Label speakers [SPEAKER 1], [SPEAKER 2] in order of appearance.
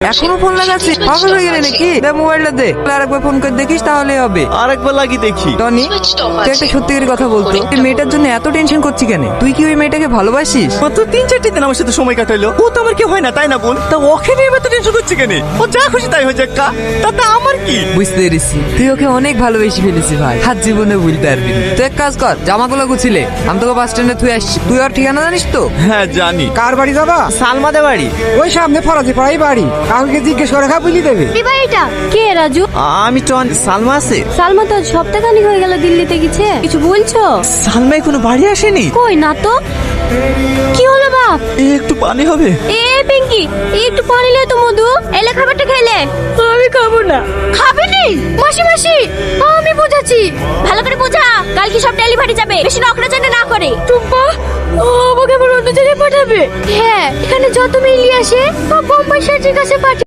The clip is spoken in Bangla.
[SPEAKER 1] এখনো ফোন লাগাচ্ছিস? পাগল হয়ে গেলে নাকি? দে মোবাইলটা দে, আরেকবার ফোন করে দেখিস তাহলেই হবে।
[SPEAKER 2] আরেকবার লাগি দেখি।
[SPEAKER 1] টনি, তুই একটা সত্যিকারের কথা বলতো, এই মেয়েটার জন্য এত টেনশন করছি কেন? তুই কি ওই মেয়েটাকে ভালোবাসিস?
[SPEAKER 2] মাত্র 3-4 দিন আমার সাথে সময় কাটাইলো, ও তো আমার কি হয় না তাই না বল? তা ওকে নিয়ে এত টেনশন করছে কেন? ও যা খুশি তাই হয়ে যাক, তাতে আমার কি?
[SPEAKER 1] বুঝতে পেরেছি, তুই ওকে অনেক ভালোবেসে ফেলেছি ভাই, হাত জীবনে ভুলতে পারবি না। তুই এক কাজ কর, জামাগুলো গুছিলে আমি তোকে বাস স্ট্যান্ডে থুয়ে আসছি। তুই ওর ঠিকানা জানিস তো?
[SPEAKER 2] হ্যাঁ জানি।
[SPEAKER 3] কার বাড়ি যাবা?
[SPEAKER 2] সালমাদের বাড়ি।
[SPEAKER 3] ওই সামনে ফরাজি পাড়াই বাড়ি, কাউকে জিজ্ঞেস করে খা বলি দেবে।
[SPEAKER 4] এটা কে রাজু?
[SPEAKER 2] আমি টন। সালমা আছে?
[SPEAKER 4] সালমা তো সপ্তাহখানিক হয়ে গেল দিল্লিতে গেছে, কিছু বলছো?
[SPEAKER 2] সালমা এখনো বাড়ি আসেনি?
[SPEAKER 4] কই না তো। কি হলো বাপ?
[SPEAKER 2] একটু পানি হবে?
[SPEAKER 4] এ পিঙ্কি, একটু পানি লে তো মধু, এলে খাবারটা খেলে। আমি খাবো না। খাবে নি? মাসি মাসি আমি বোঝাচ্ছি, ভালো করে বোঝা, কাল কি সব ডেলিভারি যাবে, বেশি নকরাচানা না করে। টুম্পা আমাকে আবার অন্য জায়গায় পাঠাবে? হ্যাঁ, এখানে যত মেইলি আসে সব বোম্বাই সার্জির কাছে পাঠাবে।